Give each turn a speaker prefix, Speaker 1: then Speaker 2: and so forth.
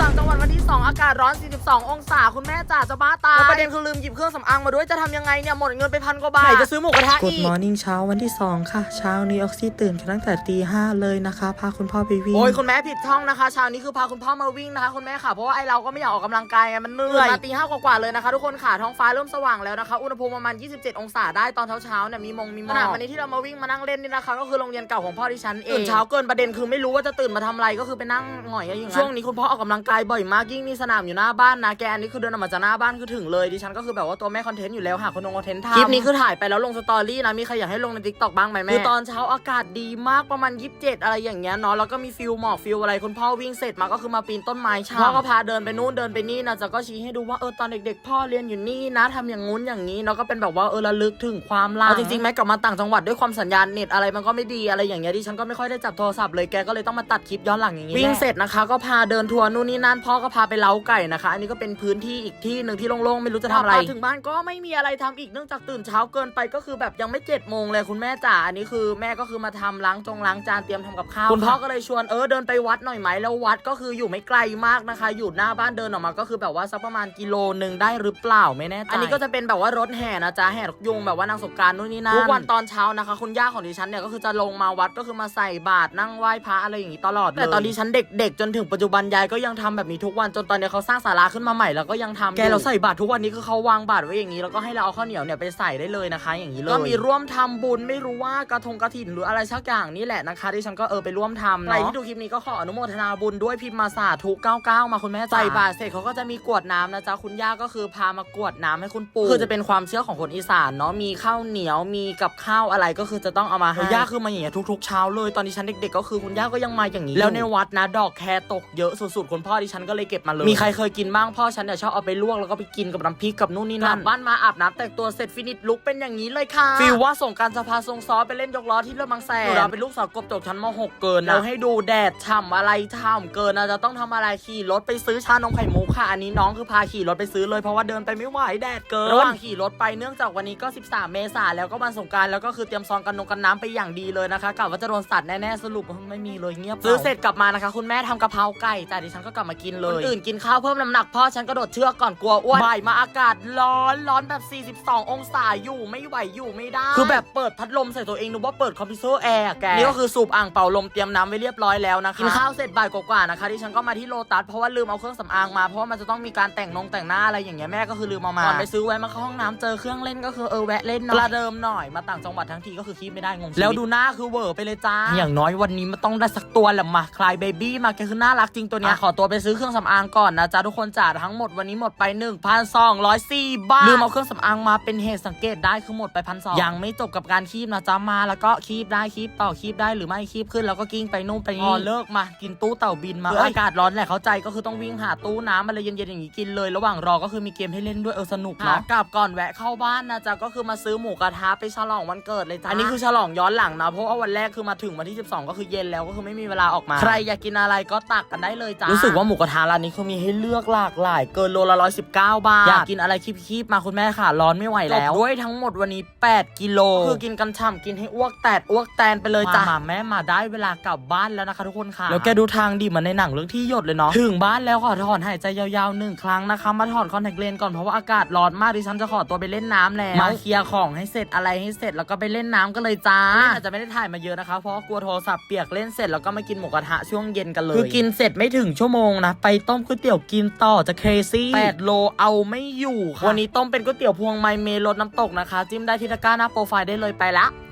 Speaker 1: างจังหวัดวันที่2อากาศร้อน42องศาคุณแม่จ๋าจะบ้าตายแล้วประเด็นคือลืมหยิบเครื่องสำอางมาด้วยจะทำยังไงเนี่ยหมดเงินไป1,000 กว่าบาทไหนจะซื้อหมูกระทะอีก
Speaker 2: Good Morning เช้าวันที่2ค่ะเช้านี้ออกซี่ตื่นกันตั้งแต่ตี 5เลยนะคะพาคุณพ่อไปวิ่ง
Speaker 1: โอ้ยคุณแม่ผิดช่องนะคะเช้านี้คือพาคุณพ่อมาวิ่งนะคะคุณแม่ค่ะเพราะว่าไอเราก็ไม่อยากออกกำลังกายไงมันเหนื่อยมาตี 5กว่าเลยนะคะทุกคนค่ะท้องฟ้าเริ่มสว่างแล้วนะคะอุณหภูมิประมาณ27องศาได้ตอนเช้าเนี่ยมีหมอกขณะวันนี้ที่เรามาวิ่งมานั่งเล่นนี่นะคะก็คือโรงเรียนเก่าของพ่อที่ฉันเองตื่นเช้าเกินประเด็นคือไม่รู้ว่าจะตื่นมาทำอะไรก็คือไปนั่งหงอยอย่างนั้นช่วงนี้คุณพ่อออกกำลังกายบ่อยมากยิ่งมีสนามอยู่หน้าบ้านนะแกอันนี้คือเดินออกมาจากหน้าบ้านคือถึงเลยดิฉันก็คือแบบว่าตัวแม่คอนเทนต์อยู่แล้วหาคนคอนเทนต์ทำคลิปนี้คือถ่ายไปแล้วลงสตอรี่นะมีใครอยากให้ลงใน TikTok บ้างไหมแม่คือตอนเช้าอากาศดีมากประมาณ27อะไรอย่างเงี้ยเนาะแล้วก็มีฟิลหมอกฟิลอะไรคุณพ่อวิ่งเสร็จมาก็คือมาปีนต้นไม้พ่อก็พาเดินไปนู่นเดินไปนี่นะจะก็ชี้ให้ดูว่าตอนเด็กๆพ่อเรียนอยู่นี่นะทำอย่างงู้นอย่างนี้เนาะก็เป็นแบบว่าระลึกถึงความหลังจริงๆแม้กลับมาต่างจังหวัดด้วยความสัญญาณเน็ตอะไรมันก็ไม่ดีอะไรอย่างเงี้ยดิฉันก็ไม่ค่อยได้จับโทรศัพท์เลยแกก็เลยต้องมาตัดคลิปย้อนหลังอย่างงี้วิ่งเสร็จนะคะก็พาเดินทัวร์นู่นนี่นั่นพ่อก็พาไปเล้าไก่นะคะอันนี้ก็เป็นพื้นที่อีกที่นึงที่โล่งๆไม่รู้จะทำอะไรถึงบ้านก็ไม่มีอะไรทำอีกเนื่องจากตื่นเช้าเกินไปก็คือแบบยังไม่7 โมงเลยคุณแม่จ๋าอันนี้คือแม่ก็คือมาทำล้างจานเตรียมทำกับข้าวคุณพ่อก็เลยชวนเดินไปวัดหน่อยไหมแล้ววัดก็คืออยู่ไม่ไกลมากนะคะอยู่หน้าบ้านเดินออกมาก็คือแบบว่าสักประมาณ1 กิโลได้หรือเปล่าไม่แน่ใจอันนี้ก็จะเป็นแบบว่ารถแห่นะจ๊ะแห่ยุงแบบว่านางสงกรานต์นู่นนี่นั่นทุกวันตอนเช้านะคะคุณย่าของดิฉันเนี่ยก็คือจะลงมาวัดก็คือมาใส่บาตรนั่งไหว้พระอะไรอย่างนี้ตลอดเลยแต่ตอนดิฉันเด็กๆจนถึงปัจจุบันยายก็ยังทำแบบนี้ทุกวันจนตอนนี้เขาสร้างศาลาขึ้นมาใหม่แล้วก็ยังทำแกเราใส่บาตรทุกวันนี้คือเขาวางบาตรไว้อย่างนี้แล้วก็ให้เราเอาข้าวเหนียวเนี่ยไปใส่ได้เลยนะคะอย่างนี้เลยก็มีร่วมทำบุญไม่รู้ว่ากระถิ่นหรืออะไรสักอย่างนี่แหละนะคะดิฉันก็ไปร่วมทำใครที่ดูคลิปนี้ก็ขออนุโมทนาบุญด้วยพิมพ์มาสาธุ99มาคุณแม่ใส่บาตรเสร็จเขาก็จะมีกรวดน้ำนะจ๊ะคุณย่าก็คือพามากรวดน้ำให้คุณปู่คือจะเป็นความเชื่อของคนอีสานเนาะมีข้าวเหนียวมีกับข้าวอะไรก็คือจะต้องเอามาให้ย่าคือมาอย่างเงี้ยทุกๆเช้าเลยตอนดิฉันเด็กๆก็คือคุณย่าก็ยังมาอย่างนี้แล้วในวัดนะดอกแคตกเยอะสุดๆคุณพ่อดิฉันก็เลยเก็บมาเลยมีใครเคยกินบ้างพ่อฉันเนี่ยชอบเอาไปลวกแล้วก็ไปกินกับน้ำพริกกับนู่นนี่นั่นบ้านมาอาบน้ำแต่งตัวเสร็จฟินิชลุกเป็นอย่างนี้เลยค่ะฟีลว่าส่งการสภาทรงซ้อไปเล่นยกล้อที่เรือบางแสนเราเป็นลูกสาวกบจบชั้นม.6 เกินแล้วให้ดูแดดฉ่ำอะไรฉ่ำเกินจะต้องทำอะไรขี่รถไปซื้อชานมไข่มุกค่ะอันนี้น้องคือพาขี่รถไปซื้อเลยเพราะว่าเดินไปไม่ไหวแดดเกินระหว่างขี่รถไปเนื่องจากวันนี้ก็13 เมษายนแล้วก็วันสงกรานต์แล้วก็คือเตรียมซองกันน้ำไปอย่างดีเลยนะคะกะว่าจะโดนสัตว์แน่ๆสรุปไม่มีเลยเงียบซื้อเสร็จกลับมานะคะคุณแม่ทำกะเพราไก่จ้ะดิฉันก็กลับมากินเลยคนอื่นกินข้าวเพิ่มน้ำหนักพ่อฉันกระโดดเชือกก่อนกลัวอ้วนบ่ายมาอากาศร้อนแบบ42 องศาอยู่ไม่ไหวอยู่ไม่ได้คือแบบเปิดพัดลมใส่ตัวเองนึกว่าเปิดคอมพิวเตอร์แอร์แกนี่ก็คือสูบอ่างเป่าลมเตรียมน้ำไว้เรียบร้อยแล้วนะคะกินข้าวเสร็จบ่ายกว่าๆนะคะดิฉันก็มาที่โลตัสเพราะว่าลืมเอาเครื่องสำอางมาเพราะว่ามันจะต้องมีการแต่งหน้าอะไรอย่างเงี้ยแม่ก็คือลืมเอามาก่อนไปซื้อไว้มาเข้าห้องน้ำเจอเครื่องเล่นก็คือแวะเล่นประเดิมหน่อยมาต่างจังหวัดทั้งทีก็คือคีบไม่ได้งงแล้วดูหน้าคือเวอร์ไปเลยจ้าอย่างน้อยวันนี้มันต้องได้สักตัวแหละมาคลายเบบี้มาแกคือน่ารักจริงตัวเนี้ยขอตัวไปซื้อเครื่องสำอางก่อนนะจ๊ะทุกคนจ่าทั้งหมดวันนี้หมดไป 1,204 บาทลืมเอาเครื่องสำอางมาเป็นเหตุสังเกตได้คือหมดไป 1,200ยังไม่จบกับการคีบนะจ๊ะมาแล้วก็คีบได้คีบต่อคีบได้หรือไม่คีบขึ้นแล้วก็กิ้งไปนู่นไปนี่เลิกมากินตู้เต่าบินมาอากาศร้อนแหละเข้าใจก็คือต้องวิ่งหาตู้น้ำอะไรเย็นๆอย่างนี้กินเลยระหว่างรอก็คือมีเกมให้เล่นด้วยสนุกเนาะกลับก่อนแวะเข้าบ้านนะจ๊ะก็คือมาซื้อหมูกระทะไปฉลองวันเกิดเลยจ้ะอันนี้คือฉลองย้อนหลังนะเพราะว่าวันแรกคือมาถึงวันที่12ก็คือเย็นแล้วก็คือไม่มีเวลาออกมาใครอยากกินอะไรก็ตักกันได้เลยจ้ะรู้สึกว่าหมูกระทะร้านนี้คือมีให้เลือกหลากหลายเกินโลละ119 บาทอยากกินอะไรคีบๆมาคุณแม่ค่ะร้อนไม่ไหวแล้วด้วยทั้งหมดวันนี้8 กิโลคือกินกันฉ่ำกินให้อ้วกแตนไปเลยจ้ะมาแม่มาได้เวลากลับบ้านแล้วนะคะทุกคนค่ะแล้วแกดูทางดิเหมือนในหนังเรื่องที่หยดเลยเนาะถึงบ้านแล้วขอถอนหายใจยาวๆ1 ครั้งนะคะมาถอนคอนแทคเลนส์ก่อนเพราะว่าอากาศร้อนมากดิฉันจะขอตัวไปเล่นน้ำแล้วมาเคลียร์ของให้เสร็จอะไรให้เสร็จแล้วก็ไปเล่นน้ำกันเลยจ้าอาจจะไม่ได้ถ่ายมาเยอะนะคะเพราะกลัวโทรศัพท์เปียกเล่นเสร็จแล้วก็มากินหมูกระทะช่วงเย็นกันเลยคือกินเสร็จไม่ถึงชั่วโมงนะไปต้มก๋วยเตี๋ยวกินต่อจะเคซี่8 โลเอาไม่อยู่ค่ะวันนี้ต้มเป็นก๋วยเตี๋ยวพวงไมเมรสน้ำตกนะคะจิ้มได้ที่ตะกร้าหน้าโปรไฟล์ได้เลยไปละ